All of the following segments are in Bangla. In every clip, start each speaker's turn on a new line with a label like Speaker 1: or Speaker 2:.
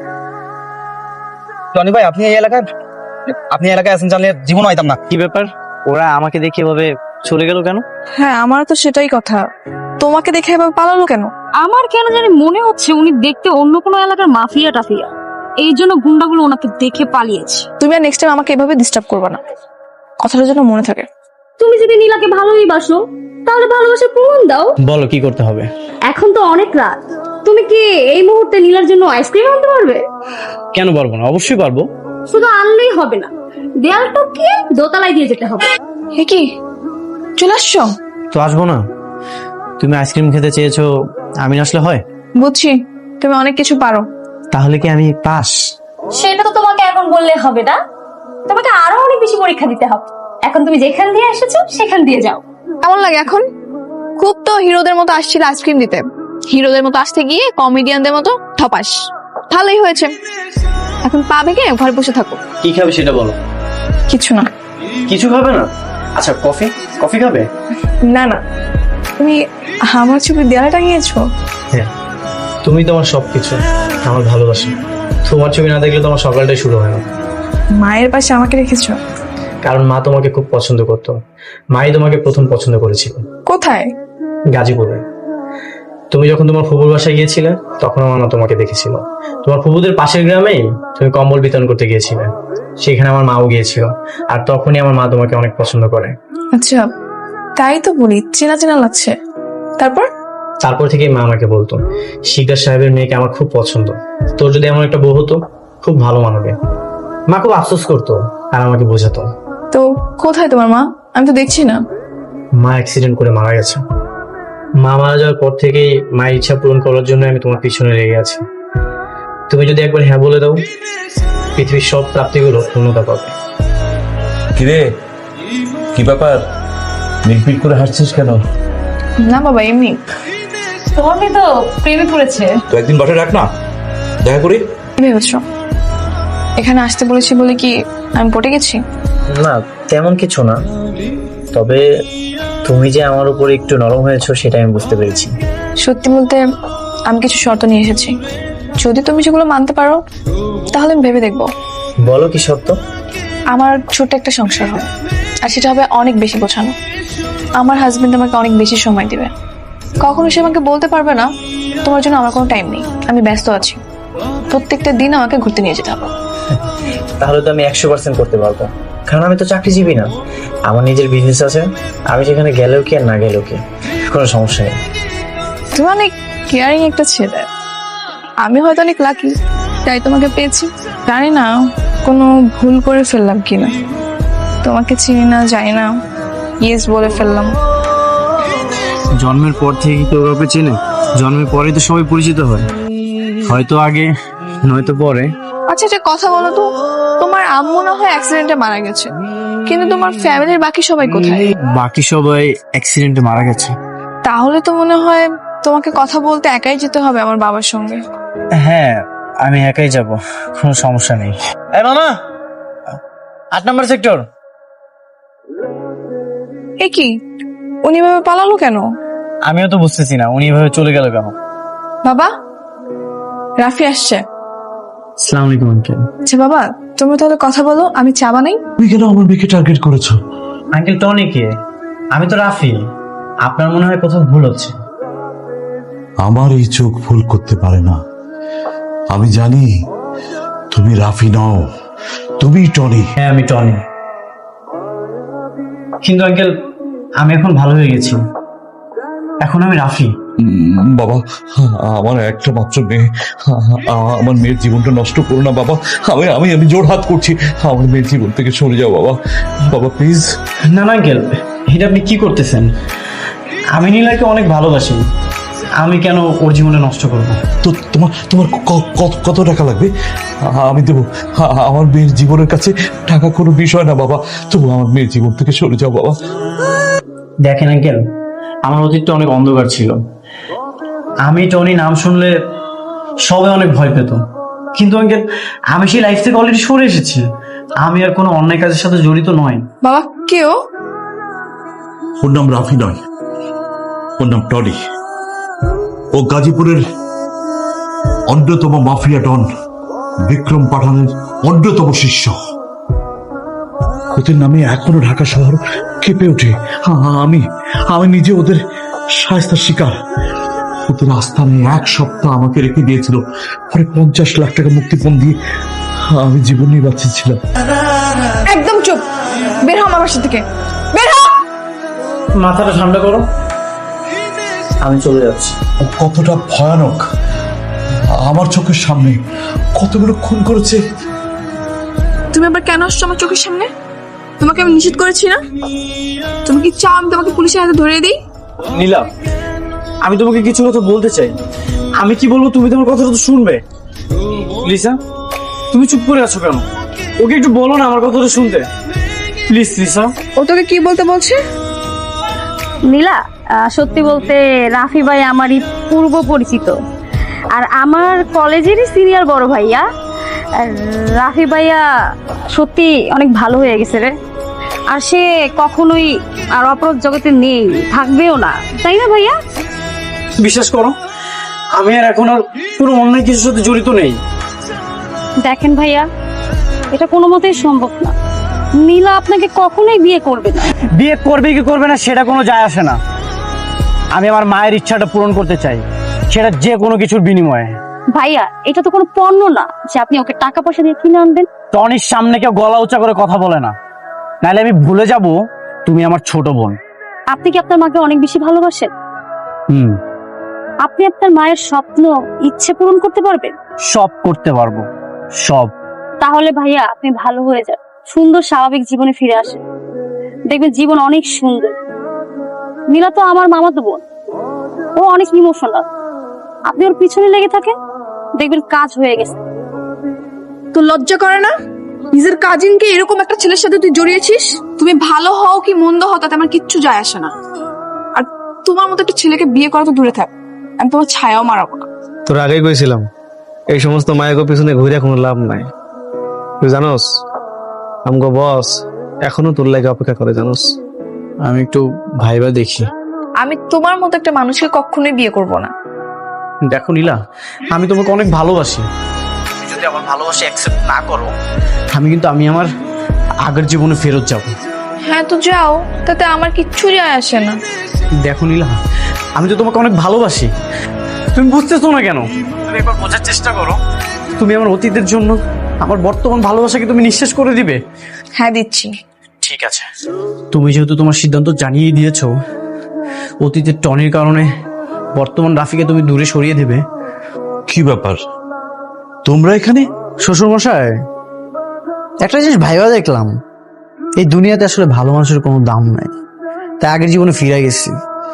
Speaker 1: টনি ভাই, আপনি এই এলাকায় আছেন জানলে জীবন হইতাম না।
Speaker 2: কি ব্যাপার, ওরা আমাকে দেখে এভাবে চলে গেল কেন?
Speaker 3: হ্যাঁ, আমার তো সেটাই কথা। তোমাকে দেখে এভাবে পালালো কেন?
Speaker 4: আমার কেন জানি মনে হচ্ছে উনি দেখতে অন্য কোনো এলাকার মাফিয়া টাফিয়া, এই জন্য গুন্ডাগুলো ওনাকে দেখে পালিয়েছে।
Speaker 3: তুমি আর নেক্সট টাইম আমাকে এভাবে ডিস্টার্ব করবে না, কথাটা যেন মনে থাকে।
Speaker 4: তুমি যদি নীলাকে ভালোই বাসো তাহলে ভালোবাসার প্রমাণ দাও।
Speaker 2: বলো কি করতে হবে?
Speaker 4: এখন তো অনেক রাত, তুমি কি এই মুহূর্তে নীলার জন্য আইসক্রিম আনতে পারবে?
Speaker 2: কেন পারবো না, অবশ্যই পারবো।
Speaker 4: শুধু আনলেই হবে না, দেয়াল টপকিয়ে দোতলায় দিয়ে যেতে হবে।
Speaker 3: হে কি, চলে আসছো?
Speaker 2: তো আসবো না? তুমি আইসক্রিম খেতে চেয়েছো, আমি না আসলে হয়?
Speaker 3: বুঝছি, তুমি অনেক কিছু পারো।
Speaker 2: তাহলে কি আমি পাস?
Speaker 4: সেটা তো তোমাকে এখন বললে হবে না, তোমাকে আরো অনেক বেশি পরীক্ষা দিতে হবে। এখন তুমি যেখান দিয়ে এসেছো সেখান দিয়ে যাও।
Speaker 3: কেমন লাগে এখন? খুব তো হিরোদের মতো আসছিল আইসক্রিম দিতে, হিরোদের মতো আসতে গিয়ে কমেডিয়ানদের মতো ঠপাস। ভালোই হয়েছে, এখন পা ভেঙে ঘরে বসে থাকো।
Speaker 2: কি খাবে সেটা বলো।
Speaker 3: কিছু না।
Speaker 2: কিছু খাবে না? আচ্ছা, কফি কফি খাবে?
Speaker 3: না না, তুমি আমার ছবি দেয়ালে টাঙিয়েছো?
Speaker 2: হ্যাঁ, তুমি তোমার সবকিছু, আমার ভালোবাসা। তোমার ছবি না দেখলে তোমার সকালটাই শুরু হয় না।
Speaker 3: মায়ের পাশে আমাকে রেখেছো?
Speaker 2: কারণ মা তোমাকে খুব পছন্দ করতো। মাই তোমাকে প্রথম পছন্দ করেছিল।
Speaker 3: কোথায়?
Speaker 2: গাজীপুরে। তুমি যখন তোমার ফুপুর বাসায় গিয়েছিলে তখন আমার মা তোমাকে দেখেছিল। তোমার ফুপুদের পাশের গ্রামেই তুমি কম্বল বিতরণ করতে গিয়েছিলে, সেখানে আমার মাও গিয়েছিল। আর তখনই আমার মা তোমাকে অনেক পছন্দ করে।
Speaker 3: আচ্ছা, তাই তো বলি, চেনা চেনা লাগছে। তারপর
Speaker 2: থেকেই মা আমাকে বলতো, শিকদার সাহেবের মেয়েকে আমার খুব পছন্দ, তোর যদি এমন একটা বউ হতো খুব ভালো মানবে। মা খুব আফসোস করতো আর আমাকে বোঝাতো।
Speaker 3: তো কোথায় তোমার মা? আমি তো দেখছি না।
Speaker 2: মা অ্যাক্সিডেন্ট করে মারা গেছে। মা মারা যাওয়ার পর থেকেই মায়ের ইচ্ছা পূরণ করার জন্য আমি তোমার পিছনে লেগে আছি। তুমি যদি একবার হ্যাঁ বলে দাও, পৃথিবীর সব প্রাপ্তিগুলো পূর্ণতা পাবে।
Speaker 5: কিরে, কি ব্যাপার? মিটমিট করে হাসছিস কেন?
Speaker 3: না বাবা, এমনি।
Speaker 4: তোমার মেয়ে তো প্রেমে পড়েছে।
Speaker 5: তো একদিন বাসায় রাখ না, দেখা করি।
Speaker 3: কি ভেবেছো এখানে আসতে বলেছি বলে কি আমি পটে গেছি?
Speaker 2: না, তেমন কিছু না, তবে তুমি যে আমার উপর একটু নরম হয়েছো সেটা আমি বুঝতে পেরেছি।
Speaker 3: সত্যি বলতে আমি কিছু শর্ত নিয়ে এসেছি, যদি তুমি সেগুলো মানতে পারো তাহলে আমি ভেবে দেখবো।
Speaker 2: বলো কি সত্য?
Speaker 3: আমার ছোট্ট একটা সংসার হবে, আর সেটা হবে অনেক বেশি গোছানো। আমার হাজবেন্ড আমাকে অনেক বেশি সময় দিবে। কখনো সে আমাকে বলতে পারবে না তোমার জন্য আমার কোনো টাইম নেই, আমি ব্যস্ত আছি। প্রত্যেকটা দিন আমাকে ঘুরতে নিয়ে যেতে হবে।
Speaker 2: তাহলে তো আমি 100% করতে পারবো, কারণ আমি তো চাকরিজীবী না, আমার নিজের বিজনেস আছে। আমি সেখানে গেলেও কি আর না গেলেও কি, কোনো সমস্যা নেই।
Speaker 3: তুমি অনেক কেয়ারিং একটা ছেলে। আমি হয়তো অনেক লাকি, তাই তোমাকে পেয়েছি। জানি না কোনো ভুল করে ফেললাম কিনা, তোমাকে চিনি না, জানি না, ইয়েস বলে ফেললাম।
Speaker 2: জন্মের পর থেকে কেউ কাউকে চেনে? জন্মের পরেই তো সবাই পরিচিত হয়, হয়তো আগে নয়তো পরে।
Speaker 3: আচ্ছা, একটা কথা বলো তো, তোমার আম্মু না হয় অ্যাক্সিডেন্টে মারা গেছে, কিন্তু তোমার ফ্যামিলির বাকি সবাই কোথায়?
Speaker 2: বাকি সবাই অ্যাক্সিডেন্টে মারা গেছে।
Speaker 3: তাহলে তো মনে হয় তোমাকে কথা বলতে একাই যেতে হবে আমার বাবার সঙ্গে।
Speaker 2: হ্যাঁ, আমি একাই যাব, কোনো সমস্যা নেই। এই মামা, 8 নম্বর সেক্টর।
Speaker 3: এ কি, উনি ভাবে পালালো কেন?
Speaker 2: আমিও তো বুঝতেছি না উনি এভাবে চলে গেল কেন।
Speaker 3: বাবা, রাফি আসছে।
Speaker 2: আসসালামু আলাইকুম আঙ্কেল।
Speaker 3: আচ্ছা বাবা, তুমি তাহলে কথা বলো, আমি চা বানাই।
Speaker 5: তুমি কেন আমার মেয়েকে টার্গেট করেছো?
Speaker 2: আঙ্কেল টনি কে? আমি তো রাফি। আপনার মনে হয় কোথাও ভুল হচ্ছে।
Speaker 5: আমার এই চোখ ভুল করতে পারে না। আমি জানি তুমি রাফি নও, তুমি টনি।
Speaker 2: হ্যাঁ, আমি টনি। কিন্তু আঙ্কেল, আমি এখন ভালো হয়ে গেছি, এখন আমি রাফি।
Speaker 5: বাবা, আমার একটা মাত্র মেয়ে, আমার মেয়ের জীবনটা নষ্ট করো না বাবা। আমি আমি আমি জোর হাত করছি, আমার মেয়ের জীবন থেকে সরে যাও বাবা। বাবা প্লিজ।
Speaker 2: না না আঙ্কেল, এটা আপনি কি করতেছেন? আমি নীলাকে অনেক ভালোবাসি, আমি কেন ওর জীবনটা নষ্ট করবো?
Speaker 5: তো তোমার তোমার কত টাকা লাগবে? আমি দেবো। আমার মেয়ের জীবনের কাছে টাকা কোনো বিষয় না বাবা, তবু আমার মেয়ের জীবন থেকে সরে যাও বাবা।
Speaker 2: দেখেন আঙ্কেল, আমার অতীতটা অনেক অন্ধকার ছিল। আমি টনি নাম শুনলে সবাই অনেক ভয় পেত, কিন্তু আঙ্কেল আমি সেই লাইফ থেকে অলরেডি সরে এসেছি। আমি আর কোনো অন্যায় কাজের সাথে জড়িত নয়।
Speaker 3: বাবা, কেউ?
Speaker 5: ওর নাম রাফি নয়, ওর নাম টনি। ও গাজীপুরের অন্যতম মাফিয়া ডন। বিক্রম পাঠানের অন্যতম শিষ্য। ওদের নামে এখনো ঢাকা শহর কেঁপে ওঠে। আমি আমি নিজে ওদের শায়েস্তার শিকার। ওদের আস্থানে 1 সপ্তাহ আমাকে রেখে দিয়েছিল, পরে 50 লাখ টাকা মুক্তিপণ দিয়ে আমি জীবন নিয়ে বাঁচিয়েছিলাম।
Speaker 3: একদম চুপ, বের হ আমার বাসা থেকে, বের হ।
Speaker 2: মাথাটা ঠান্ডা করো, আমি চলে যাচ্ছি।
Speaker 5: ও কতটা ভয়ানক আমার চোখের সামনে কতগুলো খুন করেছে।
Speaker 3: তুমি আবার কেন আসছো আমার চোখের সামনে? তোমাকে আমি নিষেধ করেছি না? তুমি কি চাও আমি তোমাকে পুলিশের হাতে ধরিয়ে দিই?
Speaker 2: নীলা, আমি তোমাকে কিছু কথা বলতে চাই। আমি কি বলবো তুমি তোমার কথাটা তো শুনবে। লিসা, তুমি চুপ করে আছো কেন? ওকে একটু বলো না আমার কথাটা শুনতে, প্লিজ। লিসা,
Speaker 3: ও তোকে কি বলতে বলছে?
Speaker 4: নীলা, সত্যি বলতে রাফি ভাই আমারই পূর্ব পরিচিত, আর আমার কলেজেরই সিনিয়র বড় ভাইয়া। আর রাফি ভাইয়া সত্যি অনেক ভালো হয়ে গেছে রে, আর সে কখনোই আর অপরাধ জগতে নেই, থাকবেও না, তাই না ভাইয়া?
Speaker 2: বিশ্বাস করো, আমি আর এখন আর কোনো অন্যায় কিছুর সাথে জড়িত নেই।
Speaker 4: দেখেন ভাইয়া, এটা কোনো মতেই সম্ভব না। নীলা আপনাকে কখনোই বিয়ে করবে না।
Speaker 2: বিয়ে করবে কি করবে না সেটা কোনো যায় আসে না। আমি আমার মায়ের ইচ্ছাটা পূরণ করতে চাই, সেটা যে কোনো কিছুর বিনিময়ে।
Speaker 4: ভাইয়া, এটা তো কোনো পণ্য না যে আপনি ওকে টাকা পয়সা দিয়ে কিনে আনবেন।
Speaker 2: টনির সামনে কেউ গলা উঁচা করে কথা বলে না, নাহলে আমি ভুলে যাব তুমি আমার ছোট বোন।
Speaker 4: আপনি কি আপনার মাকে অনেক বেশি ভালোবাসেন? আপনি আপনার মায়ের স্বপ্ন, ইচ্ছে পূরণ করতে পারবেন?
Speaker 2: সব করতে পারবো, সব।
Speaker 4: তাহলে ভাইয়া আপনি ভালো হয়ে যান, সুন্দর স্বাভাবিক জীবনে ফিরে আসেন, দেখবেন জীবন অনেক সুন্দর। নীলা তো আমার মামাতো বোন, ও অনেক ইমোশনাল। আপনি ওর পিছনে লেগে থাকেন, দেখবেন কাজ হয়ে গেছে।
Speaker 3: তো লজ্জা করে না? নিজের কাজিনকে এরকম একটা ছেলের সাথে তুই জড়িয়েছিস। তুমি ভালো হও কি মন্দ হও তাতে আমার কিচ্ছু যায় আসে না। আর তোমার মতো একটা ছেলেকে বিয়ে করা তো দূরে থাক, আমি তোমার ছায়াও মারাবো না।
Speaker 6: তোর আগেই কইছিলাম এই সমস্ত মায়ের পিছনে ঘুরে কোনো লাভ নাই। তুই জানোস আমগো বস এখনো তোর লাগে অপেক্ষা করে, জানোস? আমি একটু ভাইবা দেখি।
Speaker 3: আমি তোমার মতো একটা মানুষকে কখনোই বিয়ে করব না।
Speaker 2: দেখো নীলা, আমি তোমাকে অনেক ভালোবাসি। তুমি যদি আমার ভালোবাসা অ্যাকসেপ্ট না করো, আমি আমার আগের জীবনে ফেরত যাব।
Speaker 3: হ্যাঁ তো যাও, তাতে আমার কিচ্ছু যায় আসে না।
Speaker 2: দেখো নীলা, আমি তো তোমাকে অনেক ভালোবাসি, তুমি বুঝতেছো না কেন? তুমি একবার বোঝার চেষ্টা করো। তুমি আমার অতীতের জন্য আমার বর্তমান ভালোবাসাকে তুমি নিঃশেষ করে দিবে?
Speaker 3: হ্যাঁ দিচ্ছি।
Speaker 2: ঠিক আছে, তুমি যেহেতু তোমার সিদ্ধান্ত জানিয়ে দিয়েছো, অতীতের টনির কারণে বর্তমান রাফিকে তুমি দূরে সরিয়ে দেবে।
Speaker 5: কি ব্যাপার, তোমরা এখানে?
Speaker 2: শ্বশুর মশাই,
Speaker 6: একটা জিনিস ভাইবা দেখলাম, এই দুনিয়াতে আসলে ভালো মানুষের কোনো দাম নাই, তাই আগের জীবনে ফিরে গেছি।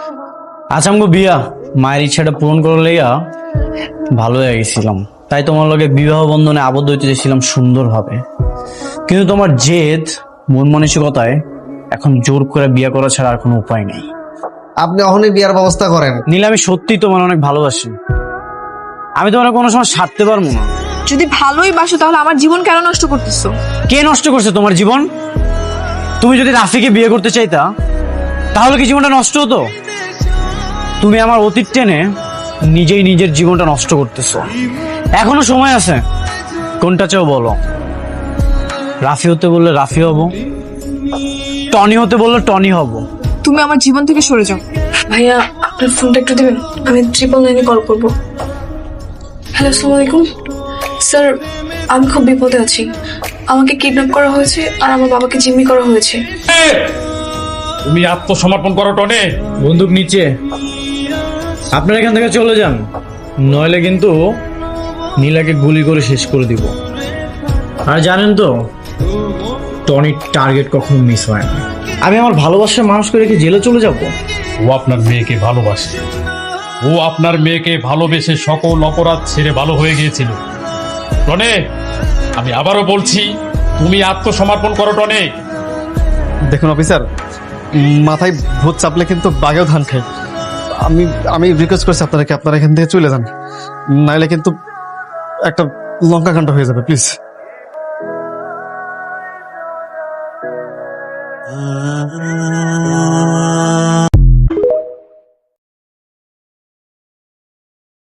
Speaker 2: আচামগো বিয়া মায়ের ইচ্ছাটা পূরণ করে লইয়া ভালো হয়ে গেছিলাম, তাই তোমার লগে বিবাহ বন্ধনে আবদ্ধ হইতে চেয়েছিলাম সুন্দরভাবে। কিন্তু তোমার জেদ, মন মানসিকতায় এখন জোর করে বিয়ে করা ছাড়া আর কোনো উপায় নেই।
Speaker 6: আপনি অহনি বিয়ার ব্যবস্থা করেন।
Speaker 2: নীলা, আমি সত্যি তোমার অনেক ভালোবাসি, আমি তোমার কোনো সময় ছাড়তে পারবো না।
Speaker 3: যদি ভালোই বাসো তাহলে আমার জীবন কেন নষ্ট করতেছো?
Speaker 2: কে নষ্ট করছে তোমার জীবন? তুমি যদি রাফিকে বিয়ে করতে চাইতা তাহলে কি জীবনটা নষ্ট হতো? তুমি আমার অতীত টেনে নিজেই নিজের জীবনটা নষ্ট করতেছো। এখনো সময় আছে, কোনটা চাও বলো? রাফি হতে বললে রাফি হব, টনি হতে বললে টনি হব।
Speaker 3: তুমি আমার জীবন থেকে সরে যাও। ভাইয়া, আপনার ফোনটা একটু দেবেন, আমি 999 কল করব। হ্যালো, আসসালামু আলাইকুম স্যার, আমি খুব বিপদে আছি। আমাকে কিডন্যাপ করা হয়েছে আর আমার বাবাকে জিম্মি করা হয়েছে।
Speaker 7: তুমি আত্মসমর্পণ করো টনে।
Speaker 2: বন্দুক নিচে, আপনারা এখান থেকে চলে যান, নইলে কিন্তু নীলাকে গুলি করে শেষ করে দিব। আর জানেন তো, টনির টার্গেট কখনো মিস হয় না। আমি আমার ভালোবাসার মানুষকে রেখে জেলে চলে যাব?
Speaker 7: ও আপনার মেয়েকে ভালোবাসে, ও আপনার মেয়েকে ভালোবেসে সকল অপরাধ ছেড়ে ভালো হয়ে গিয়েছিল। টনে, আমি আবারও বলছি, তুমি আত্মসমর্পণ করো টনে।
Speaker 6: দেখুন অফিসার, মাথায় ভূত চাপলে কিন্তু বাঘেও ধান খায়। আমি রিকোয়েস্ট করছি আপনারা এখান থেকে চলে যান, নাইলে কিন্তু একটা লঙ্কাকাণ্ড হয়ে যাবে, প্লিজ।